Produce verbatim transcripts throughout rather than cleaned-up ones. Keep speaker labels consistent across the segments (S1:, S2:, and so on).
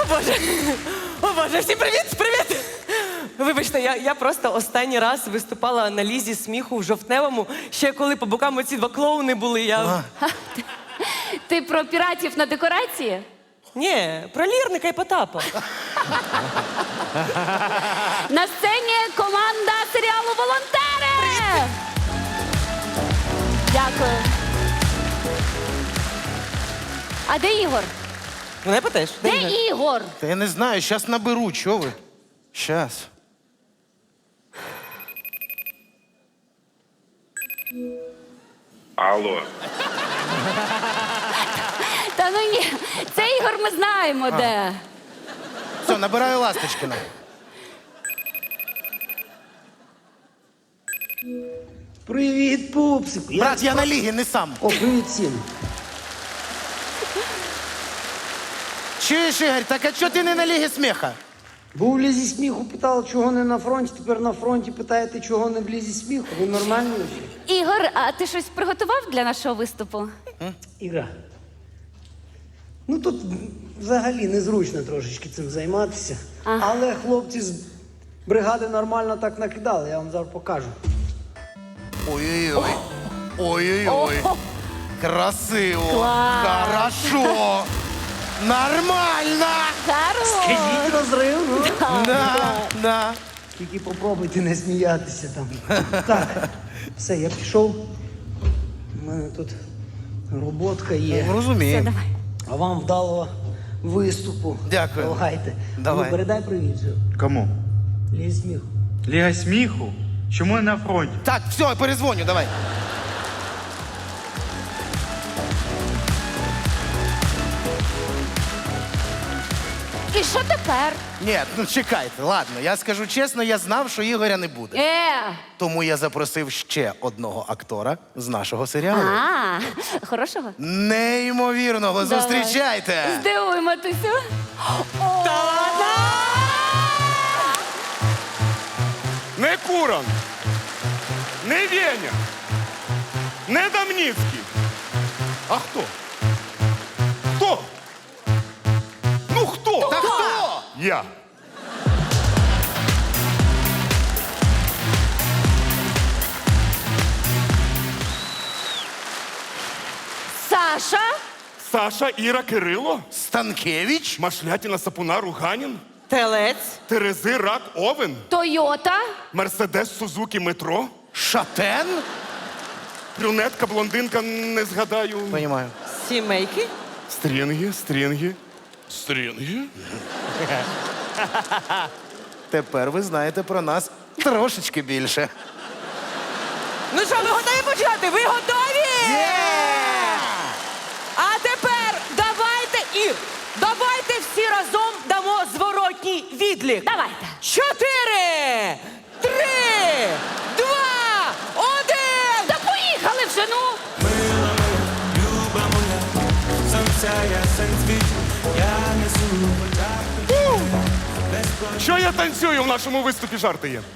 S1: Боже! О, Боже, всім привіт! Привіт! Вибачте, я, я просто останній раз виступала на лізі сміху в жовтневому, ще коли по бокам оці два клоуни були, я...
S2: Ти про піратів на декорації?
S1: Ні, про Лірника і Потапа.
S2: На сцені команда серіалу «Волонтери». Дякую. А де Ігор?
S1: Мене питаєш?
S2: Де Ігор?
S3: Та я не знаю, щас наберу, чого ви? Щас.
S4: Алло.
S2: Та ну ні, це Ігор ми знаємо де.
S3: Все, набираю Ласточкина.
S5: Привіт, пупсик.
S3: Брат, я на лігі, не сам.
S5: О, привіт всім.
S3: Чуєш, Ігор, так а чого ти не на лігі сміха?
S5: Був в лізі сміху, питала, чого не на фронті, тепер на фронті питаєте, чого не в лізі сміху. Ви нормальні вже?
S2: Ігор, а ти щось приготував для нашого виступу?
S5: Іра. Ну тут взагалі незручно трошечки цим займатися.
S2: Ага.
S5: Але хлопці з бригади нормально так накидали, я вам зараз покажу.
S3: Ой-ой-ой. Ой-ой-ой.
S2: О!
S3: Красиво.
S2: Клас.
S3: Хорошо. Нормально.
S2: Хорош!
S5: Скажіть розрив, ну.
S3: Да, да.
S5: Тільки попробуйте не сміятися там. Так, все, я пішов. У мене тут роботка є.
S2: Все,
S3: Розумію.
S2: давай.
S5: А вам вдалого виступу.
S3: Дякую.
S5: Давайте.
S3: Давай.
S5: Ну, передай привіт. же.
S4: Кому?
S5: Лізь сміху.
S4: Ліга сміху? Чому не на фронті?
S3: Так, все, перезвоню, давай.
S2: І що тепер?
S3: Ні, ну чекайте, ладно, я скажу чесно, я знав, що Ігоря не буде.
S2: Е!
S3: Тому я запросив ще одного актора з нашого серіалу.
S2: А, хорошого?
S3: Неймовірного,
S2: Давай.
S3: зустрічайте!
S2: Здивуй, матусю.
S1: Та ладно!
S6: Не Куран, не Веня, не Дамніцький. А хто? Хто? Ну хто?
S3: Та хто?
S6: Я.
S2: Саша?
S6: Саша, Іра, Кирило,
S3: Станкевич?
S6: Машлятіна, Сапуна, Руганін,
S1: Телець.
S6: Терези, Рак, Овен,
S2: Тойота?
S6: Мерседес, Сузукі, Метро,
S3: Шатен?
S6: брюнетка, блондинка, не згадаю.
S3: Понімаю.
S1: Сімейки.
S6: Стрінги, стрінги, стрінги.
S3: Тепер ви знаєте про нас трошечки більше.
S1: Ну що, ви готові почати? Ви готові? А тепер давайте, Ір, давайте всі разом дамо зворотній відлік.
S2: Давайте.
S1: Чотири, три, два, один.
S2: Та поїхали вже, ну!
S6: Що я танцюю в нашому виступі, жарти є.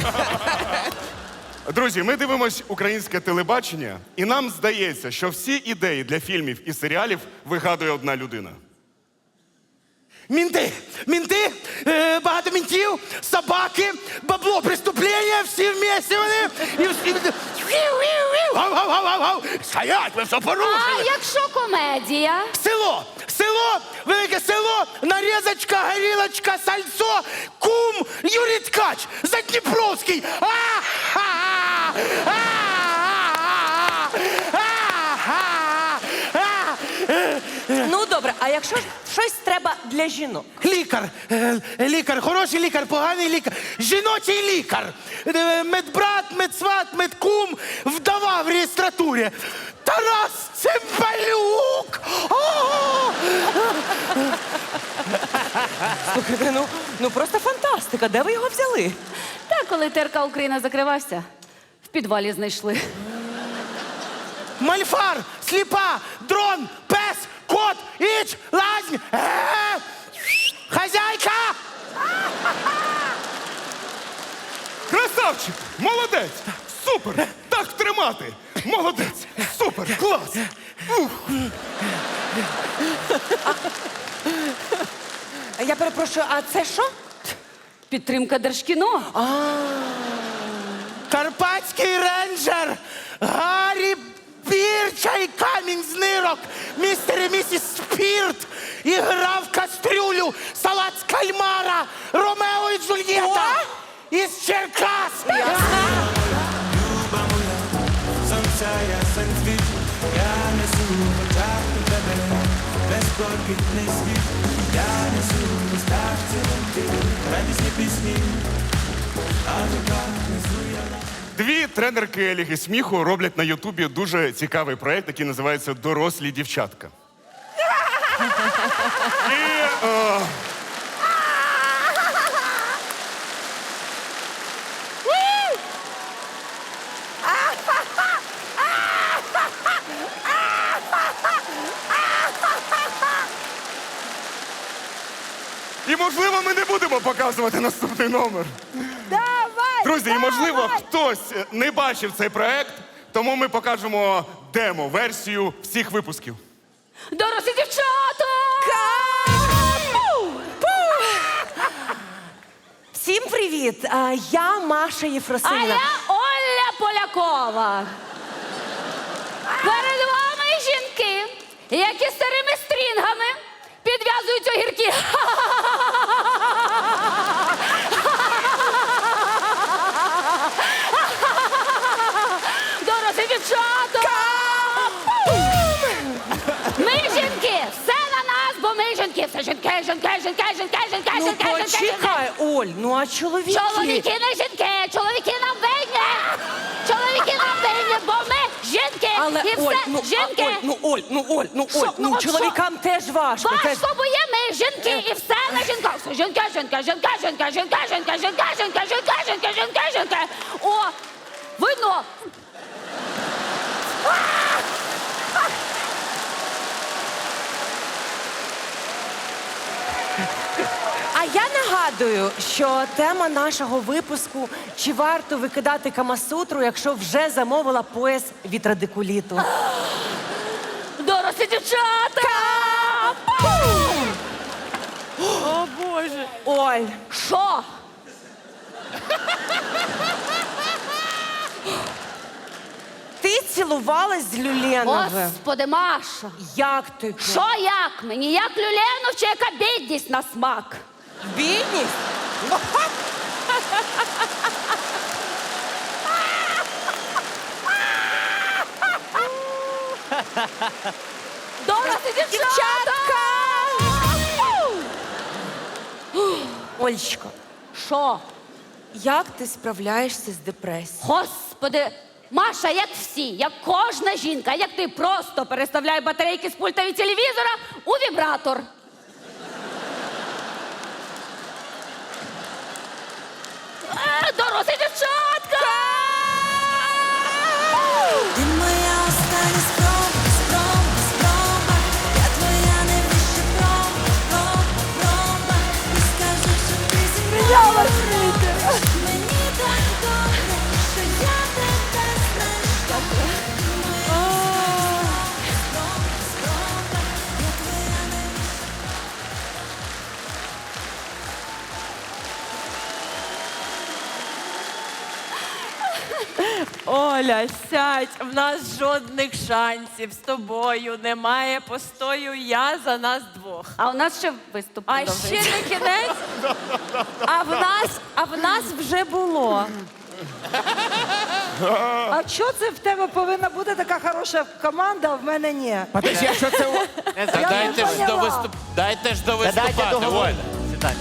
S6: Друзі, ми дивимось українське телебачення, і нам здається, що всі ідеї для фільмів і серіалів вигадує одна людина.
S3: Мінти! Мінти! Е, багато мінтів, собаки, бабло, преступлення, всі вместе вони. І всі... Гав-гав-гав-гав! Стоять, ви все
S2: А
S3: порушили!
S2: якщо комедія?
S3: Село! Село! Велике село! Нарізочка, горілочка, сальцо, кум, Юрій Ткач, Задніпровський! А-ха-ха! А-ха-ха! А-ха-ха!
S1: Ну добре, а якщо ж щось треба для жінок?
S3: Лікар, е, лікар, хороший лікар, поганий лікар, жіночий лікар, Е, медбрат, медсват, медкум, вдова в реєстратурі. Тарас Цимбалюк! О!
S1: Слухайте, ну, ну просто фантастика. Де ви його взяли?
S2: Та коли ТРК Україна закривався, в підвалі знайшли.
S3: Мальфар, сліпа, дрон, пес, кот, іч, лазь, е, хазяйка!
S6: Красавчик! Молодець! Супер! Так тримати! Молодець! Супер! Клас! Ух.
S1: Я перепрошую, а це що?
S2: Підтримка Держкіно.
S3: Карпатський рейнджер, Гаррі Бірча і камінь з нирок, містер і місіс Спірт, і грав в кастрюлю, салат з кальмара, Ромео і Джульєта із Черкас.
S6: Дві тренерки Ліги сміху роблять на Ютубі дуже цікавий проєкт, який називається «Дорослі дівчатка». І, е, І, можливо, ми не будемо показувати наступний номер.
S7: Давай!
S6: Друзі, і,
S7: давай!
S6: можливо, хтось не бачив цей проект, тому ми покажемо демо-версію всіх випусків.
S2: Дорослі дівчата!
S1: Всім привіт! А, я Маша
S2: А
S1: Єфросинівна.
S2: я Оля Полякова. Перед вами жінки, які старими стрінгами підв'язують огірки. Дорослі дівчата! Ми жінки! Все на нас, бо ми жінки! Все жінки, жінки, жінки, жінки, жінки,
S1: Ну
S2: жінки, жінки, жінки!
S1: почекай, Оль, ну а чоловіки?
S2: Чоловіки не жінки! Чоловіки нам винні! Чоловіки нам винні, бо ми жінки!
S1: Але
S2: І
S1: Оль,
S2: все
S1: ну,
S2: жінки!
S1: а, Оль, ну Оль, ну Оль, ну
S2: Що?
S1: Оль,
S2: Ну,
S1: ну
S2: от
S1: чоловікам теж важко. теж-
S2: Важко, бо є ми жінки, і все на жінках. Все жінки, жінки, жінки, жінки, жінки, жінки, жінки, жінки, жінки, жінки, жінки, жінки. О, видно.
S1: А я нагадую, що тема нашого випуску «Чи варто викидати камасутру, якщо вже замовила пояс від радикуліту?»
S2: Дорослі дівчата!
S1: О, Боже. Оль,
S2: Що?
S1: ти цілувалась з Люленовим.
S2: Господи, Маша.
S1: Як ти?
S2: Що як мені? Як Люленов чи яка бідність на смак?
S1: Бідність?
S2: Дорослі дівчатка!
S1: Олечко,
S2: Що?
S1: як ти справляєшся з депресією?
S2: Господи, Маша, як всі, як кожна жінка, як ти просто переставляй батарейки з пульта від телевізора у вібратор. Е, Дорослі дівчатка!
S8: Ти моя остання спроба, спроба, спроба. Я твоя найвища проба, проба, проба. Ти скажи, що ти зі мною. Мені так добре, що я тебе знайшла. Ти моя остання спроба, спроба. Я твоя найвища.
S9: Оля, сядь, в нас жодних шансів з тобою немає постою, я за нас двох.
S2: А у нас ще виступ
S9: А ще
S2: продовжується.
S9: не кінець, а в нас, а в нас вже було.
S7: А що це в тебе повинна бути така хороша команда, а в мене ні?
S3: Подожди, а що це? у-
S7: Я
S10: Дайте
S7: не
S10: ж до
S7: поняла.
S10: виступ... Дайте ж до
S3: дайте
S10: виступати,
S3: договорити.
S10: Оля. Сідайте.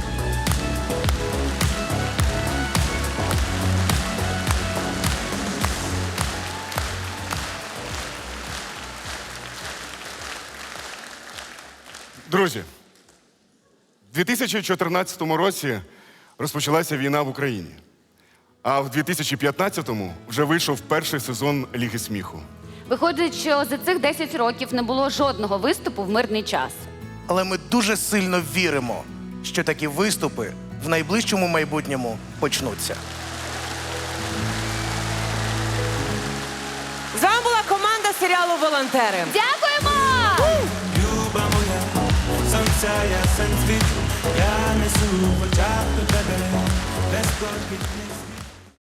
S6: Друзі, у дві тисячі чотирнадцятому році розпочалася війна в Україні, а в дві тисячі п'ятнадцятому вже вийшов перший сезон Ліги сміху.
S2: Виходить, що за цих десять років не було жодного виступу в мирний час.
S11: Але ми дуже сильно віримо, що такі виступи в найближчому майбутньому почнуться.
S1: З вами була команда серіалу «Волонтери».
S2: Дякуємо!
S8: Люба моя, сонце
S10: місяця ясен світ, я несу в очах до тебе, без кожних